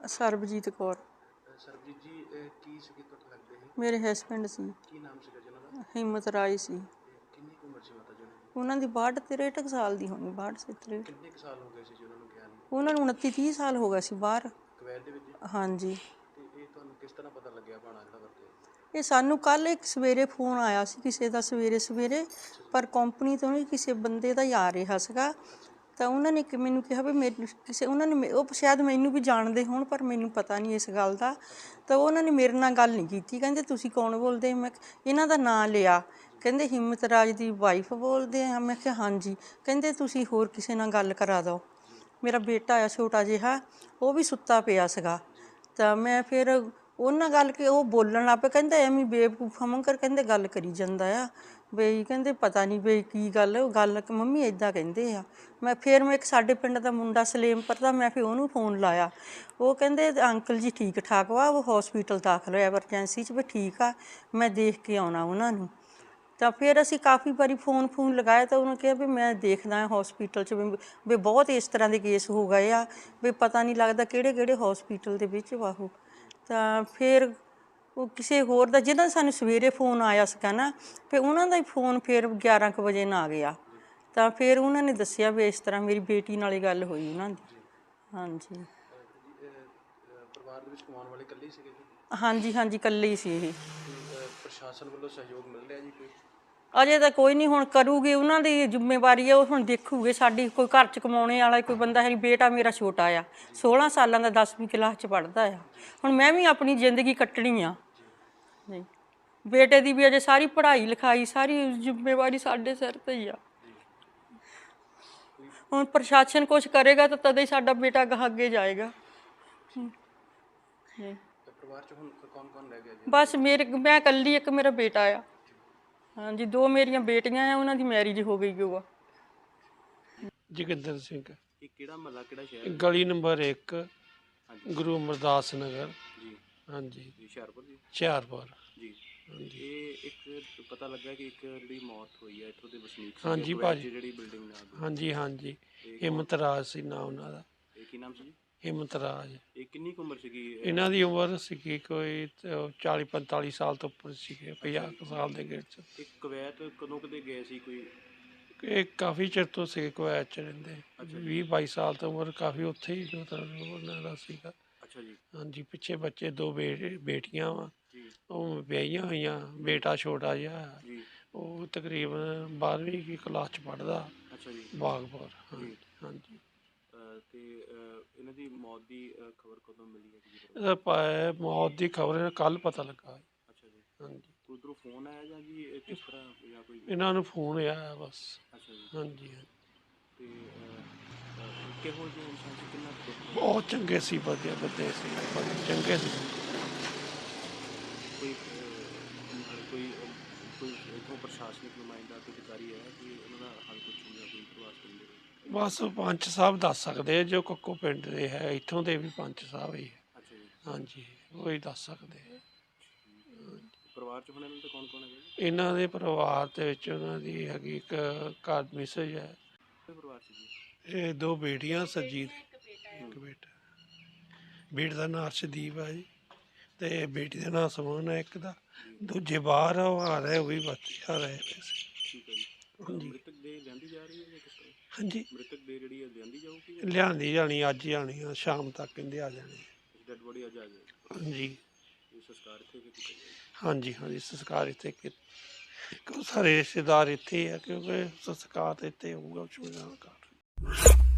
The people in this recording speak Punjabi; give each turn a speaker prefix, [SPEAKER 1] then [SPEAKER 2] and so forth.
[SPEAKER 1] ਸਰਬਜੀਤ ਕੌਰ।
[SPEAKER 2] ਸਰਬਜੀਤ ਜੀ ਕੀ ਸੀਗੇ ਤੁਹਾਡੇ ਲੱਗਦੇ ਸੀ?
[SPEAKER 1] ਮੇਰੇ ਹਸਬੈਂਡ ਸੀ।
[SPEAKER 2] ਕੀ ਨਾਮ ਸੀਗਾ ਜੀ ਉਹਨਾਂ ਦਾ?
[SPEAKER 1] ਹਿੰਮਤ ਰਾਏ ਸੀ।
[SPEAKER 2] ਕਿੰਨੀ ਕੁ ਉਮਰ ਸੀ ਮਾਤਾ ਜੀ
[SPEAKER 1] ਉਹਨਾਂ ਦੀ 62 ਸਾਲ ਦੀ ਹੋਣੀ, 62 63।
[SPEAKER 2] ਕਿੰਨੇ ਕੁ ਸਾਲ ਹੋ ਗਏ ਸੀ ਜੀ ਉਹਨਾਂ ਨੂੰ ਗਿਆ ਨੂੰ?
[SPEAKER 1] ਉਹਨਾਂ ਨੂੰ 29 30 ਸਾਲ ਹੋ ਗਿਆ ਸੀ ਬਾਹਰ
[SPEAKER 2] ਕੁਵੈਤ ਦੇ ਵਿੱਚ।
[SPEAKER 1] ਹਾਂਜੀ।
[SPEAKER 2] ਤੇ ਇਹ ਤੁਹਾਨੂੰ ਕਿਸ ਤਰ੍ਹਾਂ ਪਤਾ ਲੱਗਿਆ ਭਾਣਾ ਜਿਹੜਾ ਵਰਤੇ?
[SPEAKER 1] ਇਹ ਸਾਨੂੰ ਕੱਲ੍ਹ ਇੱਕ ਸਵੇਰੇ ਫੋਨ ਆਇਆ ਸੀ ਕਿਸੇ ਦਾ, ਸਵੇਰੇ ਪਰ ਕੰਪਨੀ ਤੋਂ ਨਹੀਂ, ਕਿਸੇ ਬੰਦੇ ਦਾ ਹੀ ਆ ਰਿਹਾ ਸੀਗਾ। ਤਾਂ ਉਹਨਾਂ ਨੇ ਮੈਨੂੰ ਕਿਹਾ ਵੀ ਮੇਰੇ ਕਿਸੇ, ਉਹਨਾਂ ਨੇ ਉਹ ਸ਼ਾਇਦ ਮੈਨੂੰ ਵੀ ਜਾਣਦੇ ਹੋਣ ਪਰ ਮੈਨੂੰ ਪਤਾ ਨਹੀਂ ਇਸ ਗੱਲ ਦਾ। ਤਾਂ ਉਹਨਾਂ ਨੇ ਮੇਰੇ ਨਾਲ ਗੱਲ ਨਹੀਂ ਕੀਤੀ। ਕਹਿੰਦੇ ਤੁਸੀਂ ਕੌਣ ਬੋਲਦੇ? ਮੈਂ ਇਹਨਾਂ ਦਾ ਨਾਂ ਲਿਆ। ਕਹਿੰਦੇ ਹਿੰਮਤ ਰਾਜ ਦੀ ਵਾਈਫ ਬੋਲਦੇ ਆ। ਮੈਂ ਕਿਹਾ ਹਾਂਜੀ। ਕਹਿੰਦੇ ਤੁਸੀਂ ਹੋਰ ਕਿਸੇ ਨਾਲ ਗੱਲ ਕਰਾ ਦਿਓ। ਮੇਰਾ ਬੇਟਾ ਆ ਛੋਟਾ ਜਿਹਾ, ਉਹ ਵੀ ਸੁੱਤਾ ਪਿਆ ਸੀਗਾ। ਤਾਂ ਮੈਂ ਫਿਰ ਉਹਨਾਂ ਗੱਲ ਕਿ ਉਹ ਬੋਲਣ ਲੱਗ ਪਏ। ਕਹਿੰਦਾ ਐਵੇਂ ਬੇਵਕੂਫਾ ਵਾਂਗਰ ਕਹਿੰਦੇ ਗੱਲ ਕਰੀ ਜਾਂਦਾ ਆ ਬਈ, ਕਹਿੰਦੇ ਪਤਾ ਨਹੀਂ ਬਈ ਕੀ ਗੱਲ ਮੰਮੀ ਇੱਦਾਂ ਕਹਿੰਦੇ ਆ। ਮੈਂ ਇੱਕ ਸਾਡੇ ਪਿੰਡ ਦਾ ਮੁੰਡਾ ਸਲੇਮਪੁਰ ਦਾ, ਮੈਂ ਫਿਰ ਉਹਨੂੰ ਫੋਨ ਲਾਇਆ। ਉਹ ਕਹਿੰਦੇ ਅੰਕਲ ਜੀ ਠੀਕ ਠਾਕ ਵਾ, ਉਹ ਹੌਸਪੀਟਲ ਦਾਖਲ ਹੋਇਆ ਐਮਰਜੈਂਸੀ 'ਚ, ਵੀ ਠੀਕ ਆ, ਮੈਂ ਦੇਖ ਕੇ ਆਉਣਾ ਉਹਨਾਂ ਨੂੰ। ਤਾਂ ਫਿਰ ਅਸੀਂ ਕਾਫੀ ਵਾਰੀ ਫੋਨ ਲਗਾਇਆ ਤਾਂ ਉਹਨੇ ਕਿਹਾ ਵੀ ਮੈਂ ਦੇਖਦਾ ਹੌਸਪੀਟਲ 'ਚ ਵੀ ਬਹੁਤ ਇਸ ਤਰ੍ਹਾਂ ਦੇ ਕੇਸ ਹੋ ਗਏ ਆ, ਵੀ ਪਤਾ ਨਹੀਂ ਲੱਗਦਾ ਕਿਹੜੇ ਹੌਸਪੀਟਲ ਦੇ ਵਿੱਚ ਵਾ ਉਹ। ਤਾਂ ਫਿਰ ਉਹ ਕਿਸੇ ਹੋਰ ਦਾ, ਜਿਹਦਾ ਸਾਨੂੰ ਸਵੇਰੇ ਫੋਨ ਆਇਆ ਸੀਗਾ ਨਾ, ਫਿਰ ਉਹਨਾਂ ਦਾ ਹੀ ਫੋਨ ਫਿਰ 11 ਕੁ ਵਜੇ ਨਾ ਆ ਗਿਆ। ਤਾਂ ਫਿਰ ਉਹਨਾਂ ਨੇ ਦੱਸਿਆ ਵੀ ਇਸ ਤਰ੍ਹਾਂ ਮੇਰੀ ਬੇਟੀ ਨਾਲ ਹੀ ਗੱਲ ਹੋਈ ਉਹਨਾਂ ਦੀ। ਹਾਂਜੀ।
[SPEAKER 2] ਪਰਿਵਾਰ ਦੇ ਵਿੱਚ ਕਮਾਉਣ ਵਾਲੇ ਇਕੱਲੇ ਹੀ ਸੀਗੇ ਜੀ?
[SPEAKER 1] ਹਾਂਜੀ ਇਕੱਲੇ ਹੀ ਸੀ ਇਹ।
[SPEAKER 2] ਪ੍ਰਸ਼ਾਸਨ ਵੱਲੋਂ ਸਹਿਯੋਗ ਮਿਲ ਰਿਹਾ ਜੀ ਕੋਈ?
[SPEAKER 1] ਅਜੇ ਤਾਂ ਕੋਈ ਨਹੀਂ, ਹੁਣ ਕਰੂਗੀ, ਉਹਨਾਂ ਦੀ ਜ਼ਿੰਮੇਵਾਰੀ ਹੈ, ਉਹ ਹੁਣ ਦੇਖੂਗੇ। ਸਾਡੀ ਕੋਈ ਘਰ 'ਚ ਕਮਾਉਣੇ ਵਾਲਾ ਕੋਈ ਬੰਦਾ ਹੈ। ਬੇਟਾ ਮੇਰਾ ਛੋਟਾ ਆ, 16 ਸਾਲਾਂ ਦਾ, 10ਵੀਂ ਕਲਾਸ 'ਚ ਪੜ੍ਹਦਾ ਆ। ਹੁਣ ਮੈਂ ਵੀ ਆਪਣੀ ਜ਼ਿੰਦਗੀ ਕੱਟਣੀ ਆ ਜੀ। ਬੇਟੇ ਦੀ ਵੀ ਅਜੇ ਸਾਰੀ ਪੜ੍ਹਾਈ ਲਿਖਾਈ, ਸਾਰੀ ਜ਼ਿੰਮੇਵਾਰੀ ਸਾਡੇ ਸਿਰ 'ਤੇ ਹੀ ਆ। ਹੁਣ ਪ੍ਰਸ਼ਾਸਨ ਕੁਛ ਕਰੇਗਾ ਤਾਂ ਤਦੇ ਹੀ ਸਾਡਾ ਬੇਟਾ ਅੱਗੇ ਜਾਏਗਾ।
[SPEAKER 2] ਪਰਿਵਾਰ 'ਚ ਹੁਣ ਕੌਣ ਰਹਿ ਗਿਆ ਜੀ?
[SPEAKER 1] ਬਸ ਮੈਂ ਇਕੱਲੀ, ਇੱਕ ਮੇਰਾ ਬੇਟਾ ਆ। ਹਾਂਜੀ, 2 ਮੇਰੀਆਂ ਬੇਟੀਆਂ ਆ, ਉਹਨਾਂ ਦੀ ਮੈਰਿਜ ਹੋ ਗਈ ਉਹ ਆ।
[SPEAKER 3] ਜੋਗਿੰਦਰ ਸਿੰਘ।
[SPEAKER 2] ਇਹ ਕਿਹੜਾ ਮਹੱਲਾ, ਕਿਹੜਾ ਸ਼ਹਿਰ?
[SPEAKER 3] ਗਲੀ ਨੰਬਰ 1, ਗੁਰੂ ਅਮਰਦਾਸ ਨਗਰ
[SPEAKER 2] ਜੀ।
[SPEAKER 3] ਹਾਂਜੀ,
[SPEAKER 2] ਹੁਸ਼ਿਆਰਪੁਰ ਜੀ।
[SPEAKER 3] ਹੁਸ਼ਿਆਰਪੁਰ
[SPEAKER 2] ਜੀ।
[SPEAKER 3] ਹਾਂਜੀ।
[SPEAKER 2] ਇਹ ਇੱਕ ਪਤਾ ਲੱਗਾ ਕਿ ਇੱਕ ਜਿਹੜੀ ਮੌਤ ਹੋਈ ਹੈ ਇੱਥੋਂ ਦੇ ਵਸਨੀਕ ਸੀ
[SPEAKER 3] ਹਾਂਜੀ ਭਾਜੀ,
[SPEAKER 2] ਜਿਹੜੀ ਬਿਲਡਿੰਗ ਨਾਲ।
[SPEAKER 3] ਹਾਂਜੀ ਹਿੰਮਤ ਰਾਜ ਸੀ ਨਾ ਉਹਨਾਂ ਦਾ।
[SPEAKER 2] ਇਹ ਕੀ ਨਾਮ ਸੀ ਜੀ?
[SPEAKER 3] ਹਿੰਮਤ ਰਾਜ।
[SPEAKER 2] ਇਹ ਕਿੰਨੀ ਕੁ ਉਮਰ ਸੀਗੀ
[SPEAKER 3] ਇਹਨਾਂ ਦੀ ਉਮਰ ਸੀਗੀ ਕੋਈ 40 45 ਸਾਲ ਤੋਂ ਉੱਪਰ ਸੀਗੇ, 50 ਸਾਲ ਦੇ ਗੇੜ 'ਚ।
[SPEAKER 2] ਇਹ ਕੁਵੈਤ ਕਦੋਂ ਕਦੇ ਗਏ ਸੀ ਕੋਈ?
[SPEAKER 3] ਇਹ ਕਾਫੀ ਚਿਰ ਤੋਂ ਸੀਗੇ ਕੁਵੈਤ 'ਚ ਰਹਿੰਦੇ। 20 22 ਸਾਲ ਤੋਂ ਉਮਰ, ਕਾਫੀ ਉੱਥੇ ਹੀ ਮਤਲਬ ਉਹਨਾਂ ਦਾ ਸੀਗਾ।
[SPEAKER 2] ਅੱਛਾ ਜੀ।
[SPEAKER 3] ਹਾਂਜੀ, ਪਿੱਛੇ ਬੱਚੇ 2 ਬੇਟੀਆਂ ਵਾ,
[SPEAKER 2] ਜੀ।
[SPEAKER 3] ਉਹ ਵਿਆਹੀਆਂ ਹੋਈਆਂ। ਬੇਟਾ ਛੋਟਾ ਜਿਹਾ,
[SPEAKER 2] ਜੀ।
[SPEAKER 3] ਉਹ ਤਕਰੀਬਨ 12ਵੀਂ ਦੀ ਕਲਾਸ 'ਚ ਪੜ੍ਹਦਾ।
[SPEAKER 2] ਅੱਛਾ ਜੀ।
[SPEAKER 3] ਬਾਗਪੁਰ। ਹਾਂਜੀ।
[SPEAKER 2] ਤੇ ਇਹਨਾਂ ਦੀ ਮੌਤ ਦੀ ਖਬਰ ਕਦੋਂ ਮਿਲੀ ਹੈ ਜੀ?
[SPEAKER 3] ਇਹਦਾ ਮੌਤ ਦੀ ਖਬਰ ਕੱਲ੍ਹ ਪਤਾ ਲੱਗਾ।
[SPEAKER 2] ਅੱਛਾ ਜੀ।
[SPEAKER 3] ਹਾਂਜੀ।
[SPEAKER 2] ਉਧਰੋਂ ਫੋਨ ਆਇਆ ਜਾਂ ਜੀ ਕਿਸ ਤਰ੍ਹਾਂ ਜਾਂ ਕੋਈ?
[SPEAKER 3] ਇਹਨਾਂ ਨੂੰ ਫੋਨ ਆਇਆ ਬਸ।
[SPEAKER 2] ਅੱਛਾ ਜੀ।
[SPEAKER 3] ਹਾਂਜੀ।
[SPEAKER 2] ਤੇ ਕਿਹੋ ਜਿਹੇ ਇਨਸਾਨ ਸੀ, ਕਿੰਨਾ ਕੁ?
[SPEAKER 3] ਬਹੁਤ ਚੰਗੇ ਸੀ, ਵਧੀਆ ਬੰਦੇ ਸੀ, ਚੰਗੇ ਸੀ।
[SPEAKER 2] ਕੋਈ ਇੱਥੋਂ ਪ੍ਰਸ਼ਾਸਨਿਕ ਨੁਮਾਇੰਦਾ, ਕੋਈ ਅਧਿਕਾਰੀ ਹੈ ਕਿ ਉਹਨਾਂ ਦਾ ਹੱਲ ਪੁੱਛਣ ਜਾਂ ਕੋਈ ਪ੍ਰਵਾਸ ਕਰਦੇ?
[SPEAKER 3] ਬਸ ਪੰਚ ਸਾਹਿਬ ਦੱਸ ਸਕਦੇ ਜੋ ਕੱਕੋ ਪਿੰਡ ਦੇ ਹੈ, ਇੱਥੋਂ ਦੇ ਵੀ ਪੰਚ ਸਾਹਿਬ ਹੀ ਹੈ।
[SPEAKER 2] ਅੱਛਾ ਜੀ। ਹਾਂਜੀ,
[SPEAKER 3] ਉਹ ਹੀ ਦੱਸ ਸਕਦੇ।
[SPEAKER 2] ਪਰਿਵਾਰ 'ਚ ਹੁਣ ਇਹਨਾਂ ਦਾ ਕੌਣ ਹੈ ਜੀ?
[SPEAKER 3] ਇਹਨਾਂ ਦੇ ਪਰਿਵਾਰ ਦੇ ਵਿੱਚ ਉਹਨਾਂ ਦੀ ਹੈਗੀ ਇੱਕ ਘਰ ਮਿਸਜ ਹੈ।
[SPEAKER 2] ਪਰਿਵਾਰ 'ਚ ਜੀ
[SPEAKER 3] ਇਹ 2 ਬੇਟੀਆਂ, ਸਰਜੀਤ, ਇੱਕ ਬੇਟਾ। ਬੇਟੇ ਦਾ ਨਾਂ ਅਰਸ਼ਦੀਪ ਹੈ ਜੀ, ਤੇ ਬੇਟੀ ਦਾ ਨਾਂ ਸਮਨ ਹੈ ਇੱਕ ਦਾ। ਦੂਜੇ ਬਾਹਰ ਆ, ਉਹ ਆ ਰਹੇ, ਉਹ ਵੀ ਬੱਚੇ ਆ ਰਹੇ।
[SPEAKER 2] ਠੀਕ ਹੈ ਜੀ।
[SPEAKER 3] ਹਾਂਜੀ।
[SPEAKER 2] ਮ੍ਰਿਤਕ ਦੇ ਲਿਆਂਦੀ ਜਾ ਰਹੀ ਹੈ ਜਾਂ ਕਿਸ ਤਰ੍ਹਾਂ?
[SPEAKER 3] ਹਾਂਜੀ,
[SPEAKER 2] ਮ੍ਰਿਤਕ ਦੇ ਜਿਹੜੀ ਲਿਆਂਦੀ ਜਾਊਗੀ?
[SPEAKER 3] ਲਿਆਂਦੀ ਜਾਣੀ, ਅੱਜ ਹੀ ਆਣੀ ਆ, ਸ਼ਾਮ ਤੱਕ ਕਹਿੰਦੇ ਆ ਜਾਣੀ।
[SPEAKER 2] ਡੈਡ ਬੋਡੀ ਅੱਜ ਆ ਜਾਏਗੀ?
[SPEAKER 3] ਹਾਂਜੀ।
[SPEAKER 2] ਸੰਸਕਾਰ ਇੱਥੇ ਕੀਤਾ ਜਾਏਗਾ?
[SPEAKER 3] ਹਾਂਜੀ ਸੰਸਕਾਰ ਇੱਥੇ ਸਾਰੇ ਰਿਸ਼ਤੇਦਾਰ ਇੱਥੇ ਆ, ਕਿਉਂਕਿ ਸੰਸਕਾਰ ਇੱਥੇ ਹੋਊਗਾ।